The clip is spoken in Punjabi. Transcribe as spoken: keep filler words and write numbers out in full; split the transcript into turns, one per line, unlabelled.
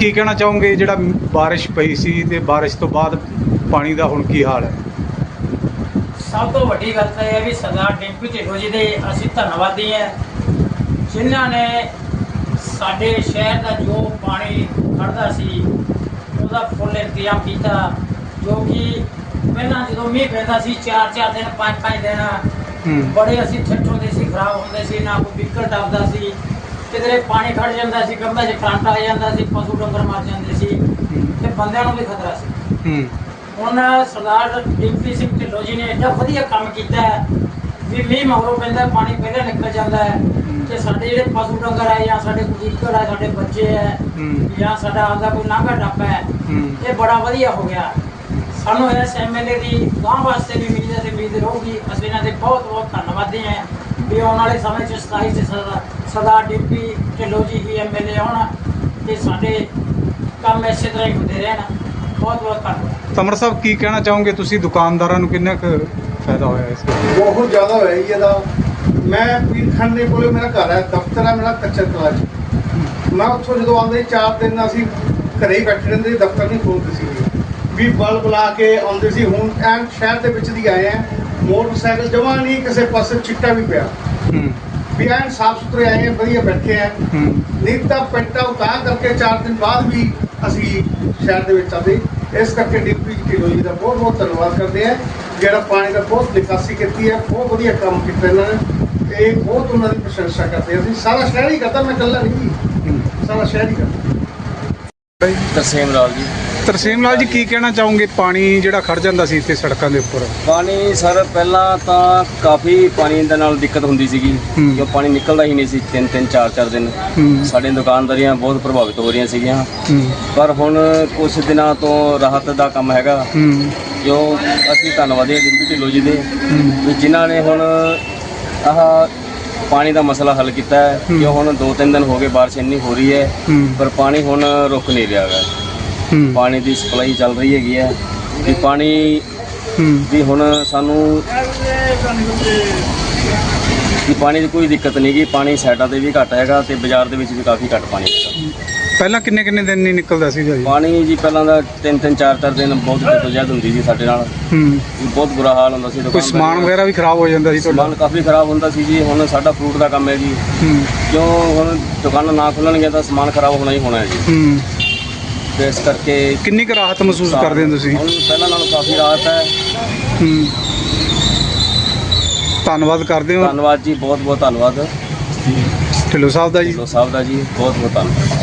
ਕੀ ਕਹਿਣਾ ਚਾਹੋਗੇ ਜਿਹੜਾ ਬਾਰਿਸ਼ ਪਈ ਸੀ ਤੇ ਬਾਰਿਸ਼ ਤੋਂ ਬਾਅਦ ਪਾਣੀ ਦਾ ਹੁਣ ਕੀ ਹਾਲ ਹੈ?
ਸਭ ਤੋਂ ਵੱਡੀ ਗੱਲ ਤਾਂ ਇਹ ਹੈ ਵੀ ਸਰਦਾਰ ਡਿੰਪੀ ਢਿੱਲੋਂ ਜੀ ਦੇ ਅਸੀਂ ਧੰਨਵਾਦੀ ਹਾਂ, ਜਿਨ੍ਹਾਂ ਨੇ ਸਾਡੇ ਸ਼ਹਿਰ ਦਾ ਜੋ ਪਾਣੀ ਖੜਦਾ ਸੀ ਉਹਦਾ ਫੁੱਲ ਇੰਤਜ਼ਾਮ ਕੀਤਾ। ਜੋ ਕਿ ਪਹਿਲਾਂ ਜਦੋਂ ਮੀਂਹ ਪੈਂਦਾ ਸੀ ਚਾਰ ਚਾਰ ਦਿਨ ਪੰਜ ਪੰਜ ਦਿਨ ਬੜੇ ਅਸੀਂ ਠੱਠ ਹੁੰਦੇ ਸੀ, ਖਰਾਬ ਹੁੰਦੇ ਸੀ, ਨਾ ਕੋਈ ਵਿਕਲ ਟੱਪਦਾ ਸੀ, ਕਿਧਰੇ ਪਾਣੀ ਖੜ ਜਾਂਦਾ ਸੀ, ਕੰਧਾਂ 'ਚ ਕਰੰਟ ਆ ਜਾਂਦਾ ਸੀ, ਪਸ਼ੂ ਡੰਗਰ ਮਰ ਜਾਂਦੇ ਸੀ ਤੇ ਬੰਦਿਆਂ ਨੂੰ ਵੀ ਖਤਰਾ ਸੀ। ਹੁਣ ਸਰਦਾਰ ਡਿੰਪੀ ਸਿੰਘ ਢਿੱਲੋਂ ਜੀ ਨੇ ਐਡਾ ਵਧੀਆ ਕੰਮ ਕੀਤਾ ਹੈ ਵੀ ਮੀਂਹ ਮਗਰੋਂ ਪੈਂਦਾ ਪਾਣੀ ਪਹਿਲਾਂ ਨਿਕਲ ਜਾਂਦਾ ਹੈ ਤੇ ਸਾਡੇ ਜਿਹੜੇ ਪਸ਼ੂ ਡੰਗਰ ਹੈ ਜਾਂ ਸਾਡੇ ਕੋਈ ਵਿਕਲ ਹੈ, ਸਾਡੇ ਬੱਚੇ ਹੈ ਜਾਂ ਸਾਡਾ ਆਪਦਾ ਕੋਈ ਲਾਂਘਾ ਟੱਪਾ ਹੈ, ਇਹ ਬੜਾ ਵਧੀਆ ਹੋ ਗਿਆ। ਸਾਨੂੰ ਇਸ ਐਮ ਐਲ ਏ ਦੀ ਗਾਂ ਵਾਸਤੇ ਵੀ ਉਮੀਦ ਹੈ ਤੇ ਉਮੀਦ ਰਹੂਗੀ। ਅਸੀਂ ਇਹਨਾਂ ਦੇ ਬਹੁਤ ਬਹੁਤ ਧੰਨਵਾਦੀ ਹਾਂ ਵੀ ਆਉਣ ਵਾਲੇ ਸਮੇਂ 'ਚ ਸਤਾਈ 'ਚ ਸਰਦਾਰ ਡਿੰਪੀ ਢਿੱਲੋਂ ਜੀ ਹੀ ਐਮ ਐਲ ਏ ਆਉਣ ਤੇ ਸਾਡੇ ਕੰਮ ਇਸੇ ਤਰ੍ਹਾਂ ਹੀ ਹੁੰਦੇ ਰਹਿਣ। ਬਹੁਤ ਬਹੁਤ ਧੰਨਵਾਦ।
ਤਮਰ ਸਾਹਿਬ ਕੀ ਕਹਿਣਾ ਚਾਹੋਗੇ ਤੁਸੀਂ, ਦੁਕਾਨਦਾਰਾਂ ਨੂੰ ਕਿੰਨਾ ਕੁ ਫਾਇਦਾ ਹੋਇਆ ਇਸ ਦਾ?
ਬਹੁਤ ਜ਼ਿਆਦਾ ਹੋਇਆ ਜੀ ਇਹਦਾ। ਮੈਂ ਪੀਰਖੰਡ ਦੇ ਕੋਲੇ ਮੇਰਾ ਘਰ ਹੈ, ਦਫ਼ਤਰ ਹੈ ਮੇਰਾ ਕੱਚਾ ਕਲਾਂ 'ਚ। ਮੈਂ ਉੱਥੋਂ ਜਦੋਂ ਆਉਂਦੇ ਚਾਰ ਦਿਨ ਅਸੀਂ ਘਰੇ ਹੀ ਬੈਠੇ ਰਹਿੰਦੇ, ਦਫ਼ਤਰ ਨਹੀਂ ਖੋਲ੍ਹਦੇ ਸੀ ਵੀ ਬਲ ਬੁਲਾ ਕੇ ਆਉਂਦੇ ਸੀ। ਹੁਣ ਐਨ ਸ਼ਹਿਰ ਦੇ ਵਿੱਚ ਦੀ ਆਏ ਆ, ਮੋਟਰਸਾਈਕਲ ਜਮਾਂ ਨਹੀਂ ਕਿਸੇ ਪਾਸੇ ਚਿੱਟਾ ਵੀ ਪਿਆ ਵੀ ਐਨ ਸਾਫ ਸੁਥਰੇ ਆਏ ਆ, ਵਧੀਆ ਬੈਠੇ ਆ। ਨਹੀਂ ਤਾਂ ਪੈਂਟਾ ਉਤਾਰ ਕਰਕੇ ਚਾਰ ਦਿਨ ਬਾਅਦ ਵੀ ਅਸੀਂ ਸ਼ਹਿਰ ਦੇ ਵਿੱਚ ਆਉਂਦੇ। ਇਸ ਕਰਕੇ ਡਿੰਪੀ ਢਿੱਲੋਂ ਜੀ ਦਾ ਬਹੁਤ ਬਹੁਤ ਧੰਨਵਾਦ ਕਰਦੇ ਆ, ਜਿਹੜਾ ਪਾਣੀ ਦਾ ਬਹੁਤ ਨਿਕਾਸੀ ਕੀਤੀ ਹੈ, ਬਹੁਤ ਵਧੀਆ ਕੰਮ ਕੀਤਾ ਇਹਨਾਂ ਨੇ ਤੇ ਬਹੁਤ ਉਹਨਾਂ ਦੀ ਪ੍ਰਸ਼ੰਸਾ ਕਰਦੇ। ਅਸੀਂ ਸਾਰਾ ਸ਼ਹਿਰ ਹੀ ਕਰਦਾ, ਮੈਂ ਇਕੱਲਾ ਨਹੀਂ, ਸਾਰਾ ਸ਼ਹਿਰ ਹੀ ਕਰਦਾ।
ਤਰਸੇਮ ਲਾਲ ਜੀ।
ਤਰਸੇਮ ਲਾਲ ਜੀ ਕੀ ਕਹਿਣਾ ਚਾਹੋਗੇ, ਪਾਣੀ ਜਿਹੜਾ ਖੜ ਜਾਂਦਾ ਸੀ ਇੱਥੇ ਸੜਕਾਂ ਦੇ ਉੱਪਰ?
ਪਾਣੀ ਸਰ ਪਹਿਲਾਂ ਤਾਂ ਕਾਫੀ ਪਾਣੀ ਦੇ ਨਾਲ ਦਿੱਕਤ ਹੁੰਦੀ ਸੀਗੀ, ਜੋ ਪਾਣੀ ਨਿਕਲਦਾ ਹੀ ਨਹੀਂ ਸੀ ਤਿੰਨ ਤਿੰਨ ਚਾਰ ਚਾਰ ਦਿਨ। ਸਾਡੀਆਂ ਦੁਕਾਨਦਾਰੀਆਂ ਬਹੁਤ ਪ੍ਰਭਾਵਿਤ ਹੋ ਰਹੀਆਂ ਸੀਗੀਆਂ, ਪਰ ਹੁਣ ਕੁਝ ਦਿਨਾਂ ਤੋਂ ਰਾਹਤ ਦਾ ਕੰਮ ਹੈਗਾ, ਜੋ ਅਸੀਂ ਧੰਨਵਾਦੀ ਹਾਂ ਡਿੰਪੀ ਢਿੱਲੋਂ ਜੀ ਦੇ ਵੀ ਜਿਨ੍ਹਾਂ ਨੇ ਹੁਣ ਆਹ ਪਾਣੀ ਦਾ ਮਸਲਾ ਹੱਲ ਕੀਤਾ ਹੈ। ਜੋ ਹੁਣ ਦੋ ਤਿੰਨ ਦਿਨ ਹੋ ਗਏ ਬਾਰਿਸ਼ ਇੰਨੀ ਹੋ ਰਹੀ ਹੈ, ਪਰ ਪਾਣੀ ਹੁਣ ਰੁਕ ਨਹੀਂ ਰਿਹਾ ਹੈਗਾ। ਪਾਣੀ ਦੀ ਸਪਲਾਈ ਚੱਲ ਰਹੀ ਹੈਗੀ ਹੈ ਵੀ ਪਾਣੀ ਵੀ ਹੁਣ ਸਾਨੂੰ ਵੀ ਪਾਣੀ ਦੀ ਕੋਈ ਦਿੱਕਤ ਨਹੀਂ ਗੀ। ਪਾਣੀ ਸਾਈਡਾਂ ਤੇ ਵੀ ਘੱਟ ਹੈਗਾ ਤੇ ਬਾਜ਼ਾਰ ਦੇ ਵਿੱਚ ਵੀ ਕਾਫੀ ਘੱਟ ਪਾਣੀ ਹੈਗਾ।
ਪਹਿਲਾਂ ਕਿੰਨੇ ਕਿੰਨੇ ਦਿਨ ਨਹੀਂ ਨਿਕਲਦਾ ਸੀ ਜੀ
ਪਾਣੀ? ਜੀ ਪਹਿਲਾਂ ਦਾ ਤਿੰਨ ਤਿੰਨ ਚਾਰ ਚਾਰ ਦਿਨ ਬਹੁਤ ਜਦੋਜਹਿਦ ਹੁੰਦੀ ਸੀ ਸਾਡੇ ਨਾਲ, ਬਹੁਤ ਬੁਰਾ ਹਾਲ ਹੁੰਦਾ ਸੀ।
ਕੋਈ ਸਮਾਨ ਵਗੈਰਾ ਵੀ ਖਰਾਬ ਹੋ ਜਾਂਦਾ ਸੀ?
ਸਮਾਨ ਕਾਫੀ ਖਰਾਬ ਹੁੰਦਾ ਸੀ ਜੀ। ਹੁਣ ਸਾਡਾ ਫਰੂਟ ਦਾ ਕੰਮ ਹੈ ਜੀ, ਕਿਉਂ ਹੁਣ ਦੁਕਾਨਾਂ ਨਾ ਖੁੱਲਣਗੀਆਂ ਤਾਂ ਸਮਾਨ ਖਰਾਬ ਹੋਣਾ ਹੀ ਹੋਣਾ ਹੈ ਜੀ। ਤੇ ਇਸ ਕਰਕੇ
ਕਿੰਨੀ ਕੁ ਰਾਹਤ ਮਹਿਸੂਸ ਕਰਦੇ ਹੋ ਤੁਸੀਂ?
ਹੁਣ ਪਹਿਲਾਂ ਨਾਲੋਂ ਕਾਫੀ ਰਾਹਤ ਹੈ।
ਧੰਨਵਾਦ ਕਰਦੇ ਹੋ।
ਧੰਨਵਾਦ ਜੀ, ਬਹੁਤ ਬਹੁਤ ਧੰਨਵਾਦ
ਢਿੱਲੋਂ ਸਾਹਿਬ ਦਾ ਜੀ।
ਢਿੱਲੋਂ ਸਾਹਿਬ ਦਾ ਜੀ ਬਹੁਤ ਬਹੁਤ ਧੰਨਵਾਦ।